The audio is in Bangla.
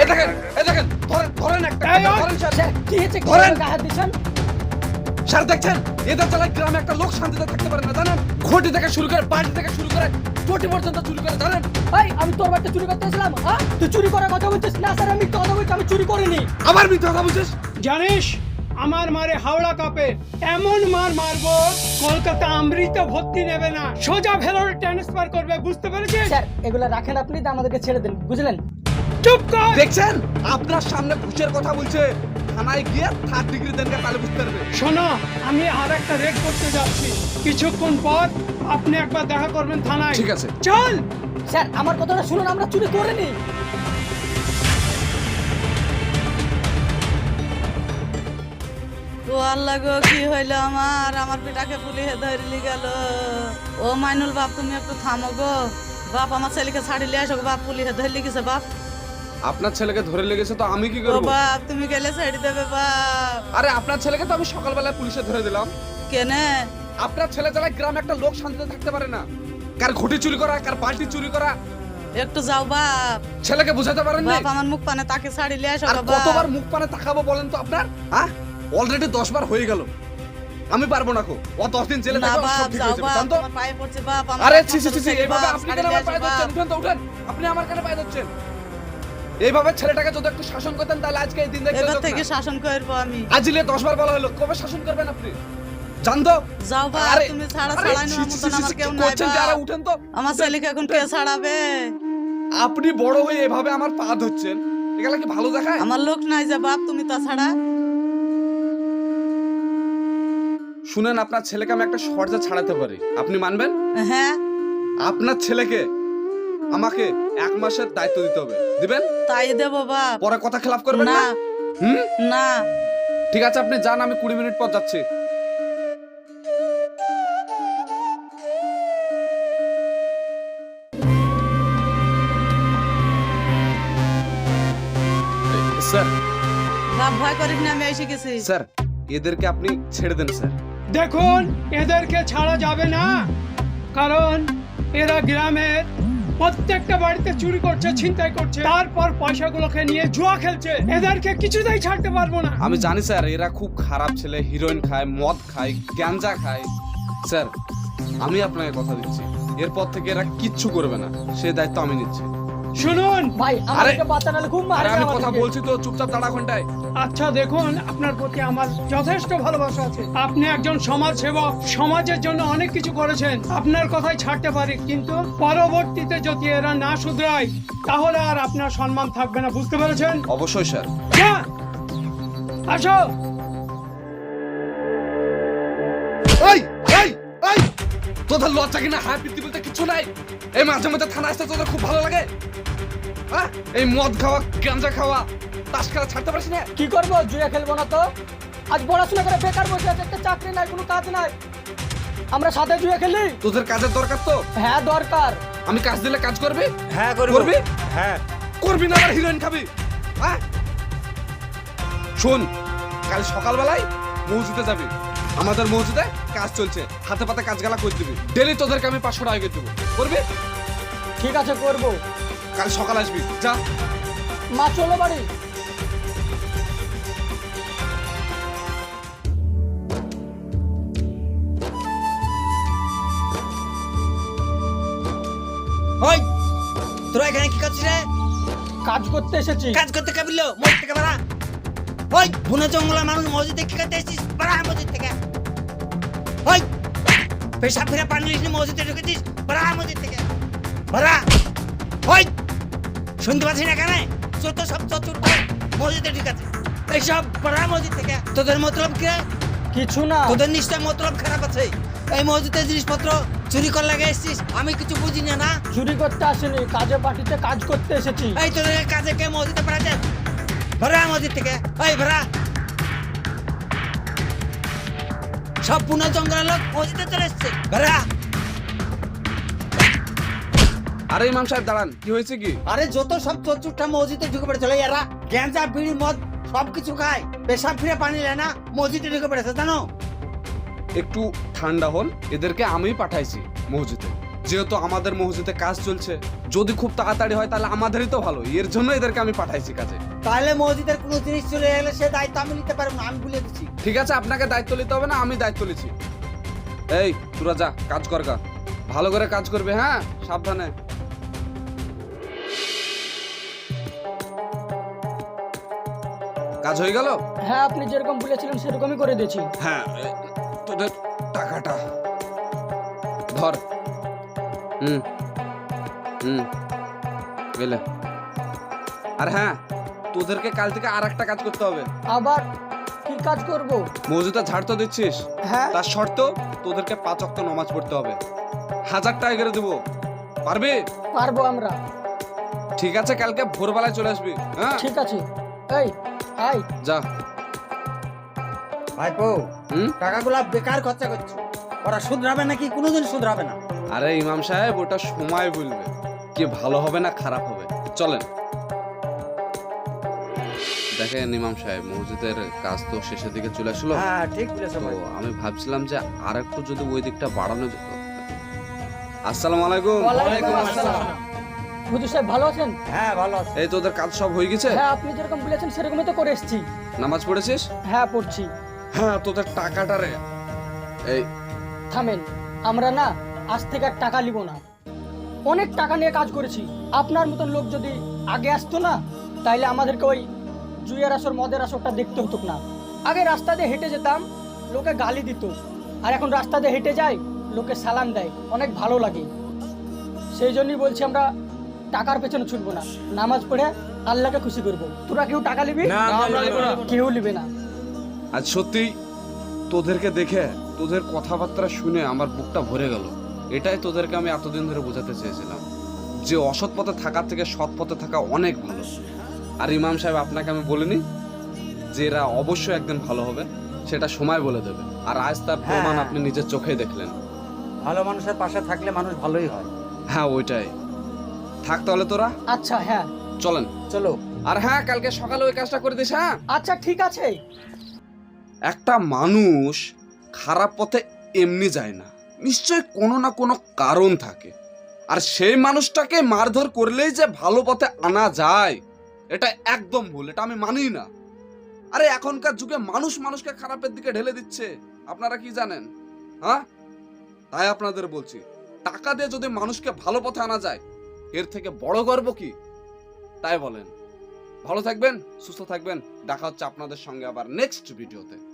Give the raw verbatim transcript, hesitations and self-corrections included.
এই দেখেন এই দেখেন ধরেন ধরেন একটা ধরেন স্যার। স্যার কি হয়েছে ধরেন। গায়ে হাত দিচ্ছেন? স্যার দেখছেন এদের চালায় গ্রামে একটা লোক শান্তিতে থাকতে পারে না জানেন? ঘটি থেকে শুরু করে বাড়ি থেকে শুরু করে চটি পর্যন্ত চুরি করে জানেন? ভাই আমি তোর বাড়িতে চুরি করতে এসেছিলাম, হ্যাঁ? তুই চুরি করার কথা বলছিস? না স্যার আমি কথা বলছি, আমি চুরি করিনি। আবার মিথ্যা কথা বলছিস? জানিস আমার মারে হাওড়া কাপে এমন মার মারবো কলকাতা আমৃত ভর্তি নেবে না, সোজা ভেলোরে ট্রান্সফার করবে, বুঝতে পেরেছিস? স্যার এগুলো রাখেন আপনি, তা আমাদেরকে ছেড়ে দেন, বুঝলেন? চুপ কর। দেখছেন আপনার সামনে ঘুষের কথা বলছে, থানায় গিয়ে থার্ড ডিগ্রি দেনকে তাহলে বুঝতে পারবে। শোনো আমি আর একটা রেড করতে যাচ্ছি, কিছুক্ষণ পর আপনি একবার দেখা করবেন থানায়। ঠিক আছে। চল। স্যার আমার কথাটা শুনুন, আমরা চুরি করিনি। ও আল্লাহ গো, কি হইলো আমার আমার পিটাকে পুলিশে ধরলি গেল। ও মাইনুল বাপ তুমি একটু থামো গো। বাপ আমার ছেলেকে ছাড়ি লিয়ে আসো গো, বাপ পুলিশে ধরলি গেছে বাপ। আপনার ছেলেকে ধরে লেগেছে তো আমি কি ও করব? বাপ তুমি গেলে ছেড়ে দেবে বাপ। আরে আপনার ছেলেকে তো আমি সকালবেলায় পুলিশে ধরে দিলাম। কেনে? আপনার ছেলে চালায় গ্রামে একটা লোক শান্তিতে থাকতে পারে না, কার ঘটি চুরি করা কার বালতি চুরি করা। একটু যাও বাপ। ছেলেকে বুঝাতে পারেন না? বাপ আমার মুখ পানে তাকে ছাড়ি লিয়ে আসো আর গো বাপ। কতবার মুখ পানে তাকাবো বলেন তো আপনার? হ্যাঁ অলরেডি দশ বার হয়ে গেল, আমি পারবো না কো। ও দশ দিন জেলে না থাকবে, বাপ সব ঠিক যাও হয়ে যাবে বাপ, জানতো? আমার পায়ে পড়ছে বাপ। আমার আরে হাত ছি ছি ছি ছি, ধরছে এইভাবে বাপ, আপনি ছাড়ি কেন লিয়ে আমার পায়ে আসো বাপ। ধরছেন? উঠেন তো উঠেন, আপনি আমার কেন পায়ে ধরছেন? এইভাবে ছেলেটাকে যদি একটু শাসন করতেন তাহলে আজকে এই দিন দেখতে এবার হতো থেকে না। শাসন করবো আমি। আজিলে দশ বার বলা হলো, কবে শাসন করবেন আপনি জানতো? যাও বাপ, আরে, তুমি ছাড়া আরে, ছাড়াই ছি, নেওয়ার ছি, মতন ছি, আমার ছি, কেউ কি নাই করছেন যে? আরে বাপ। উঠেন তো। আমার ছেলেকে এখন কে ছাড়াবে? আপনি বড় হয়ে এভাবে আমার পা ধরছেন, এগুলা কি ভালো দেখায়? আমার লোক নাই যে বাপ, তুমি তা ছাড়া। শুনেন আপনার ছেলেকে আমি একটা শর্তে ছাড়াতে পারি, আপনি মানবেন? হ্যাঁ আপনার ছেলেকে আমাকে এক মাসের দায়িত্ব দিতে হবে, দিবেন? তাই দেবো বাপ। পরে কথা খেলাপ করবেন না না? হুম না। ঠিক আছে, আপনি যান, আমি কুড়ি মিনিট পর যাচ্ছি। স্যার বাপ ভয় করিস না, আমি এসে গেছি। স্যার এদেরকে আপনি ছেড়ে দেন স্যার। দেখুন এদেরকে ছাড়া যাবে না, কারণ এরা গ্রামের প্রত্যেকটা বাড়িতে চুরি করছে, ছিনতাই করছে, তারপর পয়সাগুলোকে নিয়ে জুয়া খেলছে। এদেরকে কিছুতেই ছাড়তে পারবো না। আমি জানি স্যার এরা খুব খারাপ ছেলে, হিরোইন খায়, মদ খায়, গ্যাঞ্জা খায়। স্যার আমি আপনাকে কথা দিচ্ছি, এরপর থেকে এরা কিচ্ছু করবে না, সে দায়িত্ব আমি নিচ্ছি। শুনুন ভাই আমাদেরকে বাঁচানোর খুব আরে মারে আমি কথা আমাদেরকে। বলছি তো, চুপচাপ দাঁড়া ঘন্টায়। আচ্ছা দেখুন, আপনার প্রতি আমার যথেষ্ট ভালোবাসা আছে, আপনি একজন সমাজ সেবক, সমাজের জন্য অনেক কিছু করেছেন, আপনার কথাই ছাড়তে পারি, কিন্তু পরবর্তীতে যদি এরা না শুধরায় তাহলে আর আপনার সম্মান থাকবে না, বুঝতে পেরেছেন? অবশ্যই স্যার। যা, আসো। এই এই এই তোদের লজ্জা কিনা হাই বৃদ্ধি বলতে কিছু নাই? এই মাঝে মাঝে থানা আসতে তোদের খুব ভালো লাগে? হ্যাঁ এই মদ খাওয়া, গাঁজা খাওয়া, তাস খেলা ছাড়তে পারিস না? কি করবো, জুয়া খেলবো না তো? আজ পড়াশোনা করে বেকার বসে আছে, একটা চাকরি নাই, কোনো কাজ নাই, আমরা সাথে জুয়া খেলি? তোদের কাজের দরকার তো, হ্যাঁ দরকার। আমি কাজ দিলে কাজ করবি? হ্যাঁ করবো। করবি? হ্যাঁ করবি না আবার হিরোইন খাবি? হ্যাঁ শোন, কাল সকালবেলায় মসজিদে যাবি, আমাদের মসজিদে কাজ চলছে, হাতে পাতে কাজ গালা করে দিবি, ডেলি তোদেরকে আমি পাঁচশো টাকা করে দেবো, করবি? ঠিক আছে করবো। কাল সকাল আসবি, যা। মা চলো বাড়ি। ওই তোরা এখানে কি করছিস রে? কাজ করতে এসেছি। কাজ করতে কাবিল মসজিদ থেকে বাড়া। ওই বুনো জঙ্গলা মানুষ মসজিদে কি করতে এসেছিস? বাড়া মসজিদ থেকে। ওই পেশাব ফিরে পানি লিসনি মসজিদে ঢুকেছিস? বাড়া মসজিদ থেকে। বাড়া। ওই শুনতে পাচ্ছিস না কেন? যত সব চতুর মসজিদে ঢুকেছে, এইসব বাড়া মসজিদ থেকে। তোদের মতলব কি রে? কিছু না। তোদের নিশ্চয় মতলব খারাপ আছে। এই মসজিদের জিনিসপত্র চুরি করে লাগে এসেছিস, আমি কিছু বুঝি না না। চুরি করতে আসেনি, কাজে পার্টিতে কাজ করতে এসেছি। এই তোদের কাজে কে মসজিদে পাঠাচ্ছে? ভরা মসজিদ থেকে। ওই ভরা সব পুনা জঙ্গলের লোক মসজিদে চলে এসছে। ভরা। আরে ইমাম সাহেব দাঁড়ান, কি হয়েছে কি? আরে যত সব চতুর্থা মসজিদে ঢুকে পড়েছিল, এরা গ্যাঞ্জা বিড়ি মদ সবকিছু খায়, পেশাব ফিরে পানি নেয় না, মসজিদে ঢুকে পড়েছে জানো? একটু ঠান্ডা হন, এদেরকে আমি পাঠাইছি মসজিদে। যেহেতু আমাদের মসজিদে কাজ চলছে, যদি খুব তাড়াতাড়ি হয় তাহলে আমাদেরই তো ভালো, এর জন্য এদেরকে আমি পাঠাইছি কাজে। তাহলে মসজিদের কোনো জিনিস চলে গেলে সে দায়িত্ব আমি নিতে পারবো না, আমি বলে দিচ্ছি। ঠিক আছে, আপনাকে দায়িত্ব নিতে হবে না, আমি দায়িত্ব নিচ্ছি। এই তোরা যা, কাজ কর গা, ভালো করে কাজ করবে, হ্যাঁ, সাবধানে। কাজ হয়ে গেল? হ্যাঁ, আপনি যেরকম বলেছিলেন সেরকমই করে দিয়েছি। হ্যাঁ, এ, তোদের টাকাটা ধর। হুম হুম গেলে। আর হ্যাঁ, তোদেরকে কাল থেকে আর একটা কাজ করতে হবে। আবার কি কাজ করব? মসজিদে ঝাড় তো দিচ্ছিস, হ্যাঁ, তার শর্ত তোদেরকে পাঁচ ওয়াক্ত নামাজ পড়তে হবে। হাজার টাকা করে দেবো, পারবি? পারবো আমরা। ঠিক আছে, কালকে ভোরবেলায় চলে আসবি। হ্যাঁ ঠিক আছে। এই আই যা। ভাইপো, হুম টাকাগুলা বেকার খরচা করছো, ওরা শুধরাবে নাকি কোনোদিন শুধরাবে না। আরে ইমাম সাহেব, ওটা সময় বলবে কি ভালো হবে না খারাপ হবে। চলেন। দেখেন ইমাম সাহেব, মসজিদের কাজ তো শেষের দিকে চলে আসলো। হ্যাঁ ঠিক বলেছো তো ভাই। আমি ভাবছিলাম যে আর একটু যদি ওই দিকটা বাড়ানো যেত। আসসালামু আলাইকুম। ওয়ালাইকুম আসসালাম। হুজুর সাহেব ভালো আছেন? হ্যাঁ ভালো আছে। এই তোদের কাজ সব হয়ে গেছে? হ্যাঁ, আপনি যেরকম বলেছেন সেরকমই তো করে এসেছি। নামাজ পড়েছিস? হ্যাঁ, পড়ছি। হ্যাঁ, তোদের টাকাটা রে। এই থামেন, আমরা না আজ থেকে আর টাকা নিব না। অনেক টাকা নিয়ে কাজ করেছি। আপনার মতন লোক যদি আগে আসতো না, তাইলে আমাদেরকে ওই জুয়ের আসর মদের আসরটা দেখতে হতো না। আগে রাস্তা দিয়ে হেঁটে যেতাম, লোকে গালি দিত, আর এখন রাস্তা দিয়ে হেঁটে যাই, লোকে সালাম দেয়, অনেক ভালো লাগে। সেই জন্যই বলছি আমরা টাকার পেছনে ছুটবো না, নামাজ পড়ে আল্লাহকে খুশি করবো। তোরা কেউ টাকা নিবি? কেউ নিবে না। আজ সত্যি তোদেরকে দেখে, তোদের কথাবার্তা শুনে আমার বুকটা ভরে গেল। এটাই তোদেরকে আমি এতদিন ধরে বোঝাতে চেয়েছিলাম যে অসৎ পথে থাকার থেকে সৎ পথে থাকা অনেক ভালো। আর ইমাম সাহেব, আপনাকে আমি বলিনি যে এরা অবশ্যই একদিন ভালো হবে? সেটা সময় বলে দেবে। আর আজ তার প্রমাণ হ্যাঁ। আপনি নিজের চোখেই দেখলেন। ভালো মানুষের পাশে থাকলে মানুষ ভালোই হয়। হ্যাঁ, ওইটাই থাক তাহলে তোরা। আচ্ছা, হ্যাঁ চলেন। চলো। আর হ্যাঁ, কালকে সকালে ওই কাজটা করে দিস। হ্যাঁ, আচ্ছা ঠিক আছে। একটা মানুষ খারাপ পথে এমনি যায় না, নিশ্চয় কোনো না কোনো কারণ থাকে। আর সেই মানুষটাকে মারধর করলেই যে ভালো পথে আনা যায়, এটা একদম ভুল, এটা আমি মানি না। আরে এখনকার যুগে মানুষ মানুষকে খারাপের দিকে ঢেলে দিচ্ছে, আপনারা কি জানেন? হ্যাঁ, তাই আপনাদের বলছি, টাকা দিয়ে যদি মানুষকে ভালো পথে আনা যায়, এর থেকে বড় গর্ব কি? তাই বলেন। ভালো থাকবেন, সুস্থ থাকবেন। দেখা হচ্ছে আপনাদের সঙ্গে আবার নেক্সট ভিডিওতে।